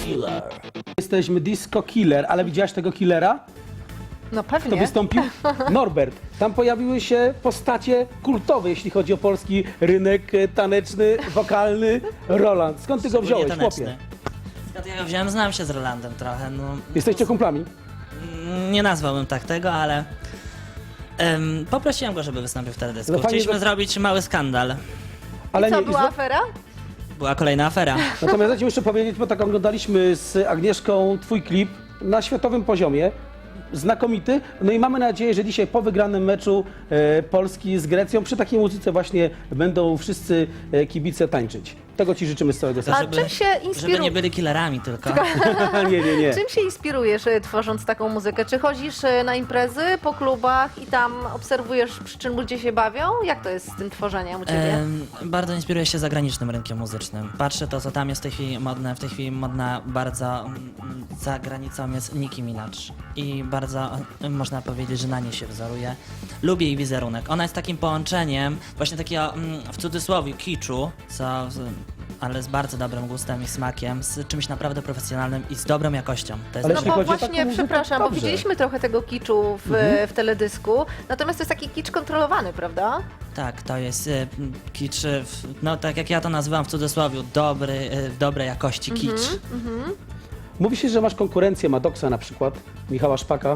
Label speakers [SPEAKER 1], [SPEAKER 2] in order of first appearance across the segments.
[SPEAKER 1] Killer.
[SPEAKER 2] Jesteśmy Disco Killer, ale widziałaś tego killera?
[SPEAKER 3] No
[SPEAKER 2] Kto
[SPEAKER 3] pewnie.
[SPEAKER 2] wystąpił? Norbert. Tam pojawiły się postacie kultowe, jeśli chodzi o polski rynek taneczny, wokalny. Roland. Skąd ty go
[SPEAKER 1] Szczególnie
[SPEAKER 2] wziąłeś, chłopie?
[SPEAKER 1] taneczny. Skąd ja go wziąłem? Znam się z Rolandem trochę. No,
[SPEAKER 2] Jesteście kumplami?
[SPEAKER 1] nie nazwałbym tak tego, ale poprosiłem go, żeby wystąpił w teledysku.
[SPEAKER 2] No fajnie,
[SPEAKER 1] Chcieliśmy
[SPEAKER 2] że-
[SPEAKER 1] zrobić mały skandal.
[SPEAKER 2] Ale
[SPEAKER 3] Co,
[SPEAKER 2] nie.
[SPEAKER 3] była afera?
[SPEAKER 1] Była kolejna afera.
[SPEAKER 2] Natomiast ja ci muszę powiedzieć, bo tak oglądaliśmy z Agnieszką twój klip na światowym poziomie. Znakomity. No i mamy nadzieję, że dzisiaj po wygranym meczu Polski z Grecją przy takiej muzyce właśnie będą wszyscy kibice tańczyć. Tego ci życzymy z całego serca.
[SPEAKER 3] A czym się
[SPEAKER 1] Żeby
[SPEAKER 3] inspirujesz?
[SPEAKER 1] nie byli killerami tylko.
[SPEAKER 2] Nie.
[SPEAKER 3] Czym się inspirujesz tworząc taką muzykę? Czy chodzisz na imprezy po klubach i tam obserwujesz, przy czym ludzie się bawią? Jak to jest z tym tworzeniem u Ciebie?
[SPEAKER 1] Bardzo inspiruję się zagranicznym rynkiem muzycznym. Patrzę to, co tam jest w tej chwili modne. W tej chwili modna bardzo za granicą jest Nicki Minaj. I bardzo można powiedzieć, że na niej się wzoruje. Lubię jej wizerunek. Ona jest takim połączeniem właśnie takiego w cudzysłowie kiczu, ale z bardzo dobrym gustem i smakiem, z czymś naprawdę profesjonalnym i z dobrą jakością. To jest
[SPEAKER 2] Ale
[SPEAKER 3] No
[SPEAKER 2] jeśli
[SPEAKER 3] bo
[SPEAKER 2] chodzi o
[SPEAKER 3] właśnie,
[SPEAKER 2] taką muzykę,
[SPEAKER 3] przepraszam, bo
[SPEAKER 2] dobrze.
[SPEAKER 3] widzieliśmy trochę tego kiczu w teledysku, natomiast to jest taki kicz kontrolowany, prawda?
[SPEAKER 1] Tak, to jest kicz, no tak jak ja to nazywam w cudzysłowie, dobrej jakości kicz.
[SPEAKER 2] Mówi się, że masz konkurencję Maddoxa na przykład, Michała Szpaka.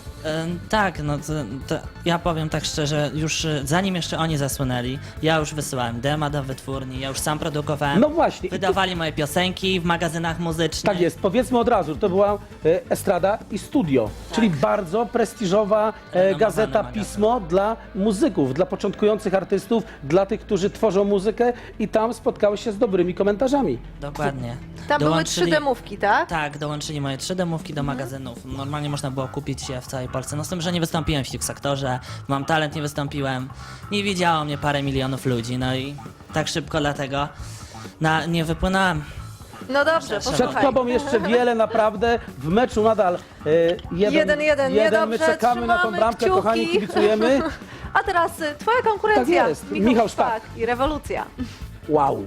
[SPEAKER 1] Tak, no to ja powiem tak szczerze, już zanim jeszcze oni zasłynęli, ja już wysyłałem dema do wytwórni, ja już sam produkowałem.
[SPEAKER 2] No właśnie. I
[SPEAKER 1] Wydawali moje piosenki w magazynach muzycznych.
[SPEAKER 2] Tak jest, powiedzmy od razu, że to była Estrada i Studio, czyli bardzo prestiżowa gazeta,
[SPEAKER 1] magazyn.
[SPEAKER 2] pismo dla muzyków, dla początkujących artystów, dla tych, którzy tworzą muzykę i tam spotkałeś się z dobrymi komentarzami.
[SPEAKER 1] Dokładnie.
[SPEAKER 3] Tam były 3 demówki, tak?
[SPEAKER 1] Tak, dołączyli moje 3 demówki do magazynów. Normalnie można było kupić je w całej Polsce. No z tym, że nie wystąpiłem w X-Faktorze, Mam Talent nie wystąpiłem, nie widziało mnie parę milionów ludzi, no i tak szybko dlatego nie wypłynąłem.
[SPEAKER 3] No dobrze,
[SPEAKER 2] Przed
[SPEAKER 3] posłuchaj.
[SPEAKER 2] tobą jeszcze wiele naprawdę, w meczu nadal
[SPEAKER 3] 1-1,
[SPEAKER 2] my
[SPEAKER 3] niedobrze,
[SPEAKER 2] czekamy na tą
[SPEAKER 3] trzymamy
[SPEAKER 2] bramkę,
[SPEAKER 3] kciuki.
[SPEAKER 2] kochani, kibicujemy.
[SPEAKER 3] A teraz twoja konkurencja.
[SPEAKER 2] Tak jest, Michał Szpak.
[SPEAKER 3] I rewolucja.
[SPEAKER 2] Wow.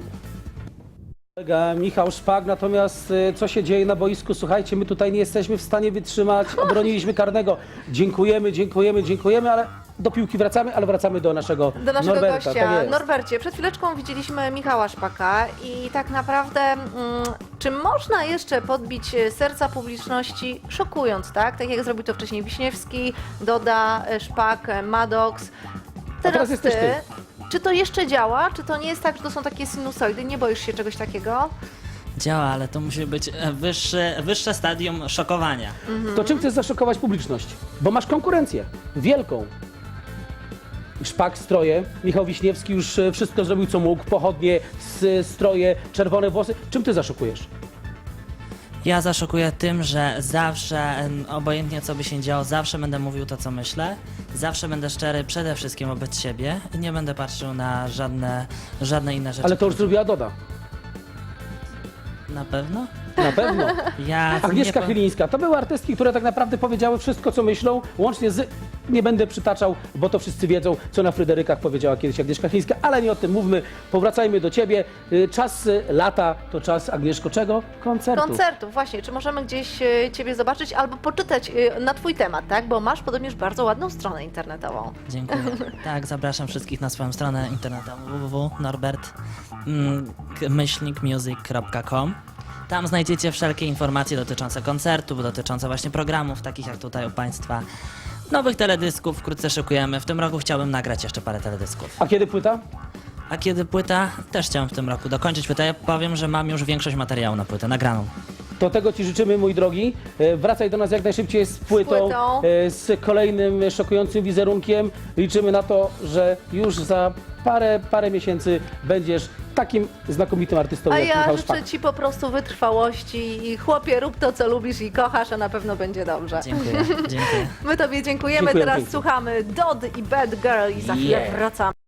[SPEAKER 2] Kolega Michał Szpak, natomiast co się dzieje na boisku? Słuchajcie, my tutaj nie jesteśmy w stanie wytrzymać, obroniliśmy karnego. Dziękujemy, ale do piłki wracamy, ale wracamy do naszego
[SPEAKER 3] Do naszego
[SPEAKER 2] Norberta.
[SPEAKER 3] gościa.
[SPEAKER 2] Tak jest.
[SPEAKER 3] Norbercie, przed chwileczką widzieliśmy Michała Szpaka i tak naprawdę czy można jeszcze podbić serca publiczności szokując, tak? Tak jak zrobił to wcześniej Wiśniewski, Doda, Szpak, Maddox.
[SPEAKER 2] teraz jesteś ty.
[SPEAKER 3] Czy to jeszcze działa? Czy to nie jest tak, że to są takie sinusoidy? Nie boisz się czegoś takiego?
[SPEAKER 1] Działa, ale to musi być wyższe stadium szokowania.
[SPEAKER 2] To czym chcesz zaszokować publiczność? Bo masz konkurencję wielką. Szpak, stroje, Michał Wiśniewski już wszystko zrobił co mógł, pochodnie, stroje, czerwone włosy. Czym ty zaszokujesz?
[SPEAKER 1] Ja zaszokuję tym, że zawsze, obojętnie co by się działo, zawsze będę mówił to, co myślę. Zawsze będę szczery przede wszystkim wobec siebie i nie będę patrzył na żadne inne rzeczy.
[SPEAKER 2] Ale to już zrobiła Doda.
[SPEAKER 1] Na pewno?
[SPEAKER 2] Na pewno.
[SPEAKER 1] Ja
[SPEAKER 2] Agnieszka
[SPEAKER 1] nie
[SPEAKER 2] Chylińska. To były artystki, które tak naprawdę powiedziały wszystko, co myślą, łącznie z... Nie będę przytaczał, bo to wszyscy wiedzą, co na Fryderykach powiedziała kiedyś Agnieszka Chylińska, ale nie o tym mówmy. Powracajmy do ciebie. Czas lata to czas, Agnieszko, czego? Koncertów.
[SPEAKER 3] Koncertów, właśnie. Czy możemy gdzieś ciebie zobaczyć albo poczytać na twój temat, tak? Bo masz podobnież bardzo ładną stronę internetową.
[SPEAKER 1] Dziękuję. Tak, zapraszam wszystkich na swoją stronę internetową www.norbert-music.com. Tam znajdziecie wszelkie informacje dotyczące koncertów, dotyczące właśnie programów, takich jak tutaj u Państwa. Nowych teledysków wkrótce szykujemy. W tym roku chciałbym nagrać jeszcze parę teledysków.
[SPEAKER 2] A kiedy płyta?
[SPEAKER 1] A kiedy płyta? Też chciałem w tym roku dokończyć płytę. Ja powiem, że mam już większość materiału na płytę nagraną.
[SPEAKER 2] To tego ci życzymy, mój drogi. Wracaj do nas jak najszybciej z płytą, z kolejnym szokującym wizerunkiem. Liczymy na to, że już za parę miesięcy będziesz takim znakomitym artystą
[SPEAKER 3] A
[SPEAKER 2] jak
[SPEAKER 3] ja
[SPEAKER 2] Michał
[SPEAKER 3] życzę
[SPEAKER 2] Szpak.
[SPEAKER 3] ci po prostu wytrwałości i chłopie, rób to, co lubisz i kochasz, a na pewno będzie dobrze.
[SPEAKER 1] Dziękuję.
[SPEAKER 3] My tobie dziękujemy.
[SPEAKER 2] Dziękuję
[SPEAKER 3] Teraz
[SPEAKER 2] pięknie.
[SPEAKER 3] słuchamy Dody i Bad Girl i za chwilę
[SPEAKER 2] Yeah.
[SPEAKER 3] wracamy.